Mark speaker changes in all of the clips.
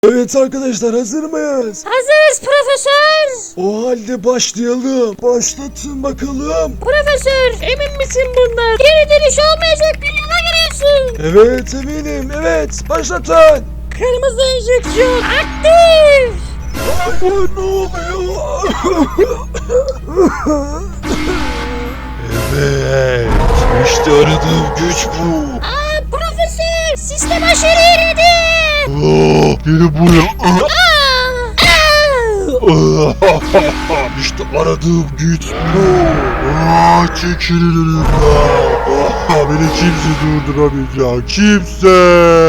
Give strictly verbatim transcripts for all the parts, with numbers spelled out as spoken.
Speaker 1: Evet arkadaşlar, hazır mıyız?
Speaker 2: Hazırız profesör.
Speaker 1: O halde başlayalım. Başlatın bakalım.
Speaker 2: Profesör, emin misin bundan? Geri dönüş olmayacak bir yola giriyorsun.
Speaker 1: Evet eminim, evet başlatın.
Speaker 2: Kırmızı enjeksiyon aktif.
Speaker 1: Hayır, ne oluyor? Evet, işte aradığım güç bu.
Speaker 2: Aa profesör, sistem aşırı eridi.
Speaker 1: Oh, gel buraya.
Speaker 2: Aa, aa.
Speaker 1: İşte aradığım güç bu. Aa, çekilin önümden. Ah, beni kimse durduramayacak. Kimse.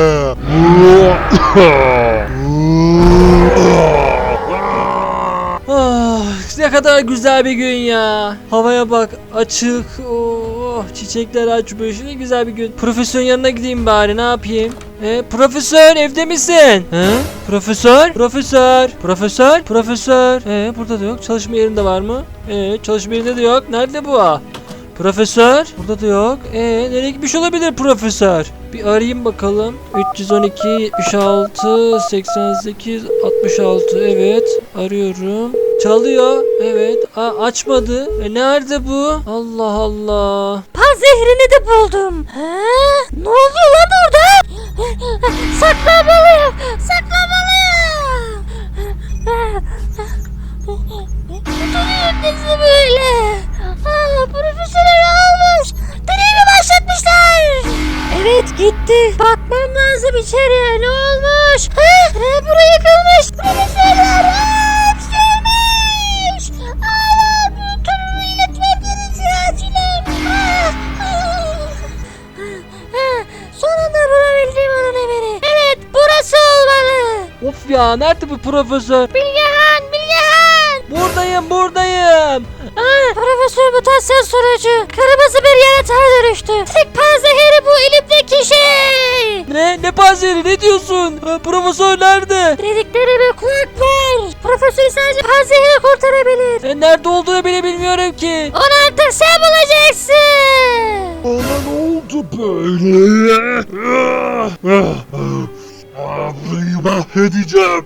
Speaker 3: Ah, ne kadar güzel bir gün ya. Havaya bak, açık. Oh, çiçekler açmış. Ne güzel bir gün. Profesörün yanına gideyim bari, ne yapayım? E, profesör evde misin? He? Profesör? Profesör? Profesör? Profesör? E, burada da yok. Çalışma yerinde var mı? E, çalışma yerinde de yok. Nerede bu? Profesör? Burada da yok. E, nereye gitmiş olabilir profesör? Bir arayayım bakalım. üç yüz on iki, yetmiş altı, seksen sekiz, altmış altı. Evet, arıyorum. Çalıyor. Evet. Aa, açmadı. E, nerede bu? Allah Allah.
Speaker 2: Pan zehrini de buldum. Ha? Ne oluyor lan orada? Saklamalıyım. Saklamalıyım. Tutuyor bizi böyle. Aa, profesörü almış. Deneyimi başlatmışlar. Evet gitti. Bakmam lazım içeriye. Ne olmuş? Ha? Ha, buraya yıkılmış. Profesörler hapşırmış. Aa, bu durumu iletmem gerekiyor acilen. Ah, ah. Ha, sonunda bulabildim onun evini. Evet, burası olmalı.
Speaker 3: Of ya, nerede bu profesör?
Speaker 2: Bilgehan, Bilgehan.
Speaker 3: Buradayım, buradayım.
Speaker 2: Ah, profesör mutasyon sonucu kırmızı bir yaratığa dönüştü. Tek panzehiri bu elimdeki şey.
Speaker 3: Ne? Ne panzehiri? Ne diyorsun? Ha, profesör nerede?
Speaker 2: Dediklerime kulak ver. Profesör sadece panzehiri kurtarabilir.
Speaker 3: E, nerede olduğunu bile bilmiyorum ki.
Speaker 2: Onu artık sen bulacaksın.
Speaker 1: Bana ne oldu böyle? Ah, burayı mahvedeceğim.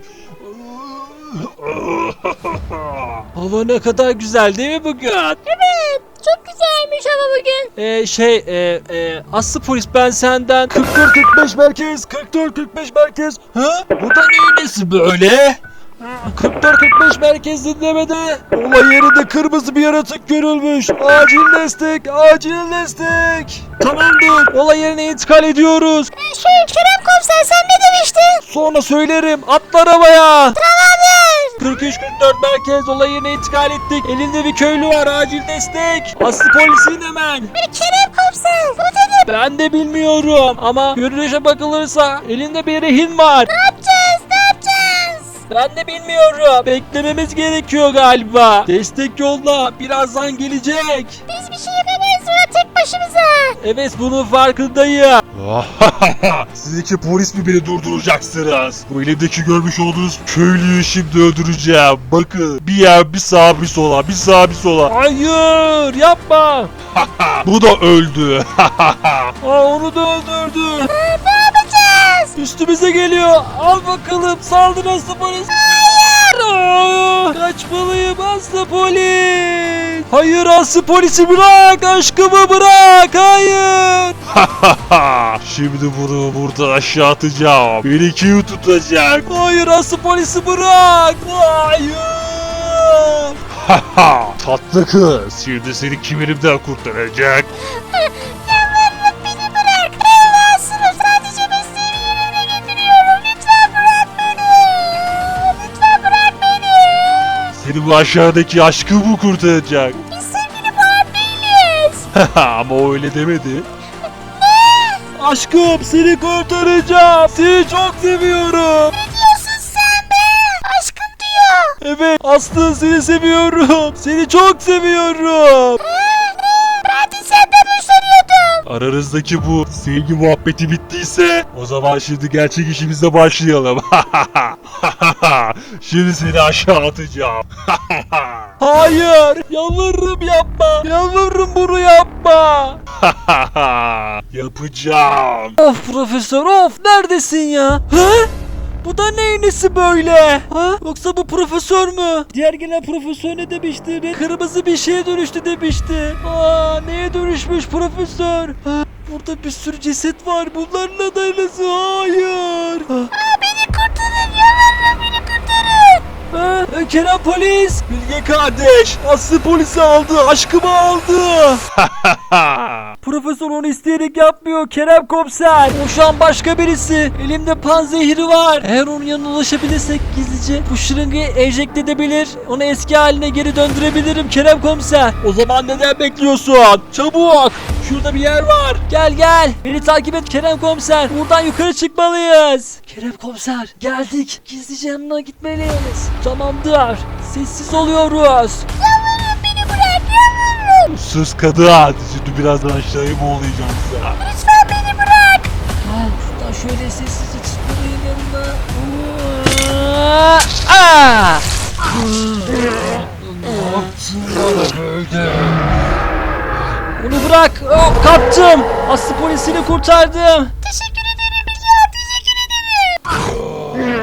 Speaker 3: Hava ne kadar güzel değil mi bugün?
Speaker 2: Evet, çok güzelmiş ama bugün.
Speaker 3: E, şey, e, e, Aslı polis, ben senden
Speaker 1: kırk dört kırk beş merkez, kırk dört kırk beş merkez.
Speaker 3: Ha? Bu da neyin nesi böyle?
Speaker 1: kırk dört kırk beş merkez dinlemede. Olay yerinde kırmızı bir yaratık görülmüş. Acil destek, acil destek.
Speaker 3: Tamamdır. Olay yerine intikal ediyoruz.
Speaker 2: Şey, Kerem komiser sen ne demiştin?
Speaker 3: Sonra söylerim. Atla arabaya.
Speaker 2: Tamamdır.
Speaker 3: kırk üç kırk dört merkez, olay yerine intikal ettik. Elinde bir köylü var, acil destek. Aslı polisin hemen.
Speaker 2: Kerem komiser bu dedi.
Speaker 3: Ben de bilmiyorum ama görünüşe bakılırsa elinde bir rehin var.
Speaker 2: Ne yapacağız, ne yapacağız?
Speaker 3: Ben de bilmiyorum. Beklememiz gerekiyor galiba. Destek yolda. Birazdan gelecek.
Speaker 2: Biz bir şey yapamayız burada tek başımıza.
Speaker 3: Evet, bunun farkındayım.
Speaker 1: Siz iki polis mi beni durduracaksınız? Bu elimdeki görmüş olduğunuz köylüyü şimdi öldüreceğim. Bakın, bir yer bir sağa bir sola, bir sağa bir sola.
Speaker 3: Hayır, yapma.
Speaker 1: Bu da öldü.
Speaker 3: Aa, onu da öldürdü.
Speaker 2: Ne yapacağız?
Speaker 3: Üstümüze geliyor. Al bakalım, saldır Aslı polis. Hayır. Kaçmalıyım Aslı polis. Hayır, Aslı polisi bırak. Aşkımı bırak. Hayır.
Speaker 1: Şimdi bunu burada aşağı atacağım. Beni kim tutacak?
Speaker 3: Hayır, Aslı polisi bırak. Hayır.
Speaker 1: Tatlı kız, şimdi seni kim elimden kurtaracak?
Speaker 2: Yalvarırım beni bırak. Evlatsınım sadece mesleğimi yerine getiriyorum. Lütfen bırak beni. Lütfen bırak beni.
Speaker 1: Seni bu aşağıdaki aşkı mı kurtaracak?
Speaker 2: Biz sevgili falan değiliz.
Speaker 1: Ama o öyle demedi.
Speaker 3: Aşkım, seni kurtaracağım. Seni çok seviyorum.
Speaker 2: Ne diyorsun sen be? Aşkım diyor.
Speaker 3: Evet, Aslı, seni seviyorum. Seni çok seviyorum.
Speaker 2: Ben de senden hoşlanıyordum.
Speaker 1: Aranızdaki bu sevgi muhabbeti bittiyse o zaman şimdi gerçek işimize başlayalım. Şimdi seni aşağı atacağım.
Speaker 3: Hayır, yalvarırım yapma. Yalvarırım, bunu yapma.
Speaker 1: Yapacağım.
Speaker 3: Of profesör, of, neredesin ya? Hı? Bu da neyin nesi böyle? Ha? Yoksa bu profesör mü? Diğer gelen profesör ne demişti? Red- Kırmızı bir şeye dönüştü demişti. Aa, neye dönüşmüş profesör? Ha? Burada bir sürü ceset var. Bunlarla da nasıl? Hayır. Ha?
Speaker 2: Aa, beni kurtarın yalvarırım beni kurtarın.
Speaker 3: Ha? Kerem polis.
Speaker 1: Bilge kardeş, Aslı polisi aldı, aşkımı aldı.
Speaker 3: Profesör onu isteyerek yapmıyor Kerem komiser. O şu an başka birisi. Elimde panzehiri var. Eğer onun yanına ulaşabilirsek gizlice bu şırıngayı enjekte edebilir. Onu eski haline geri döndürebilirim Kerem komiser.
Speaker 1: O zaman neden bekliyorsun? Çabuk.
Speaker 3: Şurada bir yer var. Gel gel. Beni takip et Kerem komiser. Buradan yukarı çıkmalıyız. Kerem komiser geldik. Gizlice yanına gitmeliyiz. Tamamdır. Sessiz oluyoruz.
Speaker 2: Yalvarırım beni bırak yalvarırım.
Speaker 1: Sus kadın. Şimdi birazdan aşağıya mı olacaksın?
Speaker 2: Lütfen beni bırak.
Speaker 3: Gel şuradan şöyle sessizce çıkmalıyım yanına. Aa! Onu bırak. Oh, kaptım. Aslı polisini kurtardım.
Speaker 2: Teşekkür ederim ya teşekkür ederim.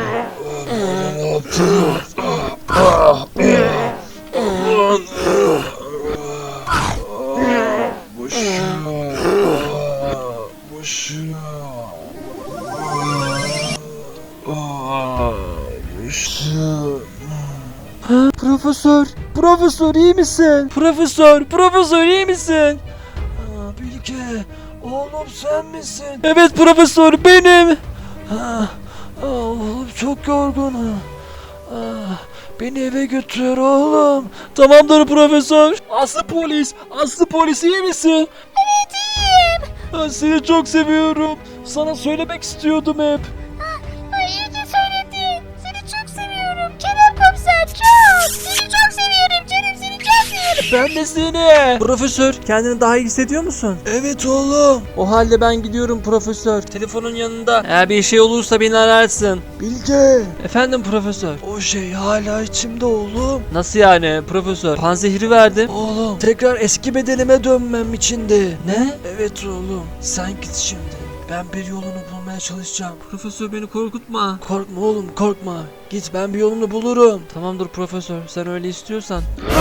Speaker 3: Ha, profesör, profesör iyi misin? Profesör, profesör iyi misin? Aa, Bilge, oğlum sen misin? Evet profesör benim. Ha, aa, oğlum çok yorgunum. Aa, beni eve götür oğlum. Tamamdır profesör. Aslı polis, Aslı polis iyi misin?
Speaker 2: Evet iyiyim.
Speaker 3: Ben seni çok seviyorum. Sana söylemek istiyordum hep.
Speaker 2: Ay iyi ki söyledin. Seni çok seviyorum. Kerem komiser çok. Seni çok seviyorum canım seni çok seviyorum.
Speaker 3: Ben de seni. Profesör, kendini daha iyi hissediyor musun? Evet oğlum. O halde ben gidiyorum profesör. Telefonun yanında. Eğer bir şey olursa beni ararsın.
Speaker 4: Bilge,
Speaker 3: Efendim profesör.
Speaker 4: o şey hala içimde oğlum.
Speaker 3: Nasıl yani profesör? Panzehiri verdim.
Speaker 4: Oğlum, tekrar eski bedenime dönmem içindi.
Speaker 3: Ne?
Speaker 4: Evet oğlum, sen git şimdi. Ben bir yolunu bulmaya çalışacağım.
Speaker 3: Profesör beni korkutma.
Speaker 4: Korkma oğlum, korkma. Git, ben bir yolunu bulurum.
Speaker 3: Tamamdır profesör. Sen öyle istiyorsan.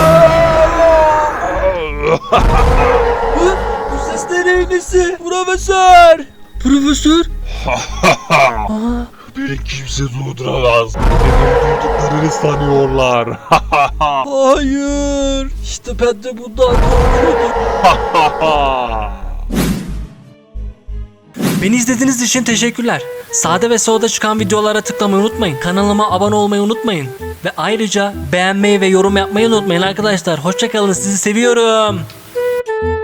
Speaker 4: Hı? Bu ses de neyin nesi? Profesör!
Speaker 3: Profesör?
Speaker 4: Aa,
Speaker 1: Beni kimse durduramaz. Benim duyduklarını sanıyorlar.
Speaker 4: hayır. İşte ben de bundan korkuyordum.
Speaker 3: Beni izlediğiniz için teşekkürler. Sağda ve solda çıkan videolara tıklamayı unutmayın. Kanalıma abone olmayı unutmayın. Ve ayrıca beğenmeyi ve yorum yapmayı unutmayın arkadaşlar. Hoşçakalın, sizi seviyorum.